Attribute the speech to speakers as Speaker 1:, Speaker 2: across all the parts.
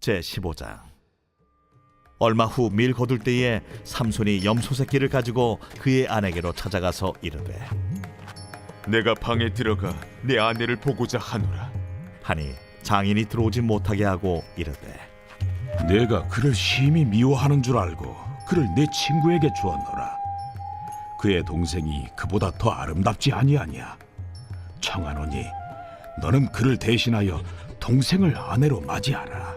Speaker 1: 제15장. 얼마 후 밀 거둘 때에 삼손이 염소 새끼를 가지고 그의 아내에게로 찾아가서 이르되,
Speaker 2: 내가 방에 들어가 내 아내를 보고자 하노라.
Speaker 1: 하니 장인이 들어오지 못하게 하고 이르되,
Speaker 3: 내가 그를 심히 미워하는 줄 알고 그를 내 친구에게 주었노라. 그의 동생이 그보다 더 아름답지 아니하냐. 청하노니 너는 그를 대신하여 동생을 아내로 맞이하라.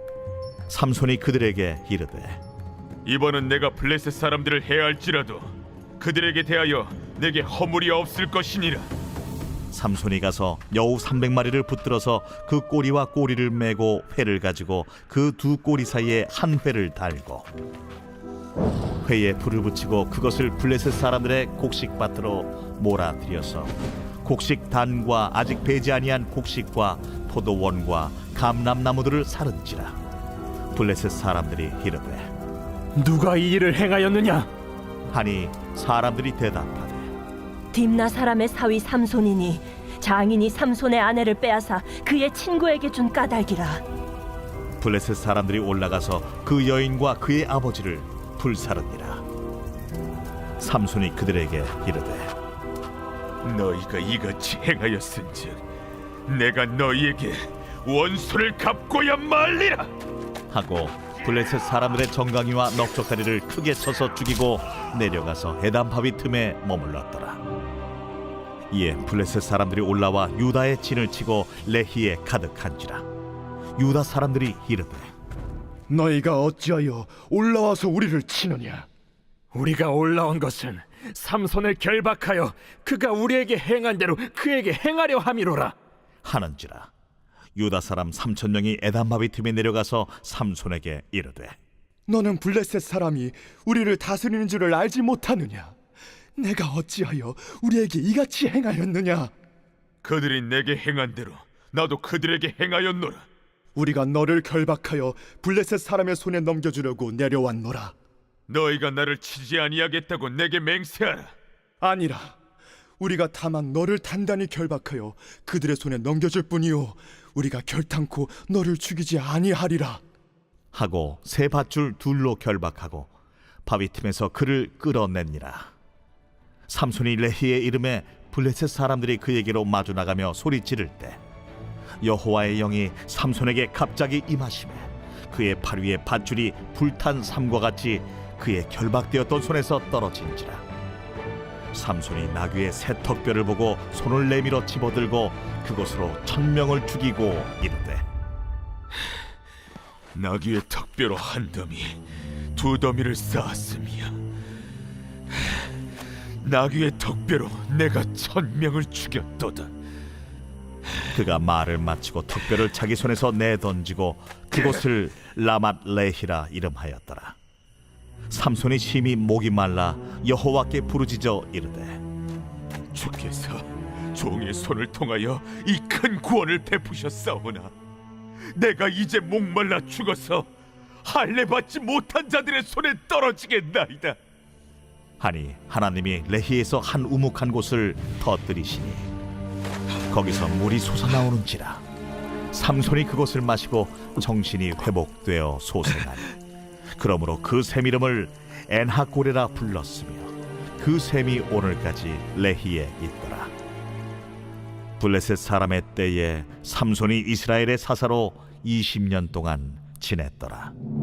Speaker 1: 삼손이 그들에게 이르되,
Speaker 2: 이번은 내가 블레셋 사람들을 해할지라도 그들에게 대하여 내게 허물이 없을 것이니라.
Speaker 1: 삼손이 가서 여우 300마리를 붙들어서 그 꼬리와 꼬리를 메고 회를 가지고 그 두 꼬리 사이에 한 회를 달고 회에 불을 붙이고 그것을 블레셋 사람들의 곡식밭으로 몰아들여서 곡식 단과 아직 배지 아니한 곡식과 포도원과 감람나무들을 사른지라. 블레셋 사람들이 이르되,
Speaker 4: 누가 이 일을 행하였느냐?
Speaker 1: 하니 사람들이 대답하되,
Speaker 5: 딥나 사람의 사위 삼손이니 장인이 삼손의 아내를 빼앗아 그의 친구에게 준 까닭이라.
Speaker 1: 블레셋 사람들이 올라가서 그 여인과 그의 아버지를 불사르니라. 삼손이 그들에게 이르되,
Speaker 2: 너희가 이같이 행하였은즉 내가 너희에게 원수를 갚고야 말리라.
Speaker 1: 하고 블레셋 사람들의 정강이와 넉적다리를 크게 쳐서 죽이고 내려가서 에담바위 틈에 머물렀더라. 이에 블레셋 사람들이 올라와 유다의 진을 치고 레히에 가득한지라. 유다 사람들이 이르되,
Speaker 4: 너희가 어찌하여 올라와서 우리를 치느냐? 우리가 올라온 것은 삼손을 결박하여 그가 우리에게 행한 대로 그에게 행하려 함이로라.
Speaker 1: 하는지라. 유다 사람 3,000명이 에담바위 틈에 내려가서 삼손에게 이르되,
Speaker 6: 너는 블레셋 사람이 우리를 다스리는 줄을 알지 못하느냐? 내가 어찌하여 우리에게 이같이 행하였느냐?
Speaker 2: 그들이 내게 행한 대로 나도 그들에게 행하였노라.
Speaker 6: 우리가 너를 결박하여 블레셋 사람의 손에 넘겨주려고 내려왔노라.
Speaker 2: 너희가 나를 치지 아니하겠다고 내게 맹세하라.
Speaker 6: 아니라 우리가 다만 너를 단단히 결박하여 그들의 손에 넘겨줄 뿐이요 우리가 결탄코 너를 죽이지 아니하리라.
Speaker 1: 하고 새 밧줄 둘로 결박하고 바위 틈에서 그를 끌어내니라. 삼손이 레히에 이름에 블레셋 사람들이 그에게로 마주 나가며 소리 지를 때 여호와의 영이 삼손에게 갑자기 임하시매 그의 팔 위에 밧줄이 불탄 삼과 같이 그의 결박되었던 손에서 떨어진지라. 삼손이 나귀의 새 턱뼈를 보고 손을 내밀어 집어들고 그것으로 1,000명을 죽이고 이르되,
Speaker 2: 나귀의 턱뼈로 한 더미, 두 더미를 쌓았으며 나귀의 턱뼈로 내가 1,000명을 죽였도다.
Speaker 1: 그가 말을 마치고 턱뼈를 자기 손에서 내던지고 그곳을 라맛 레히라 이름하였더라. 삼손이 심히 목이 말라 여호와께 부르짖어 이르되,
Speaker 2: 주께서 종의 손을 통하여 이 큰 구원을 베푸셨사오나 내가 이제 목말라 죽어서 할례 받지 못한 자들의 손에 떨어지겠나이다.
Speaker 1: 하니 하나님이 레히에서 한 우묵한 곳을 터뜨리시니 거기서 물이 솟아나오는지라. 삼손이 그것을 마시고 정신이 회복되어 소생하니 그러므로 그 샘 이름을 엔하고레라 불렀으며 그 샘이 오늘까지 레히에 있더라. 블레셋 사람의 때에 삼손이 이스라엘의 사사로 20년 동안 지냈더라.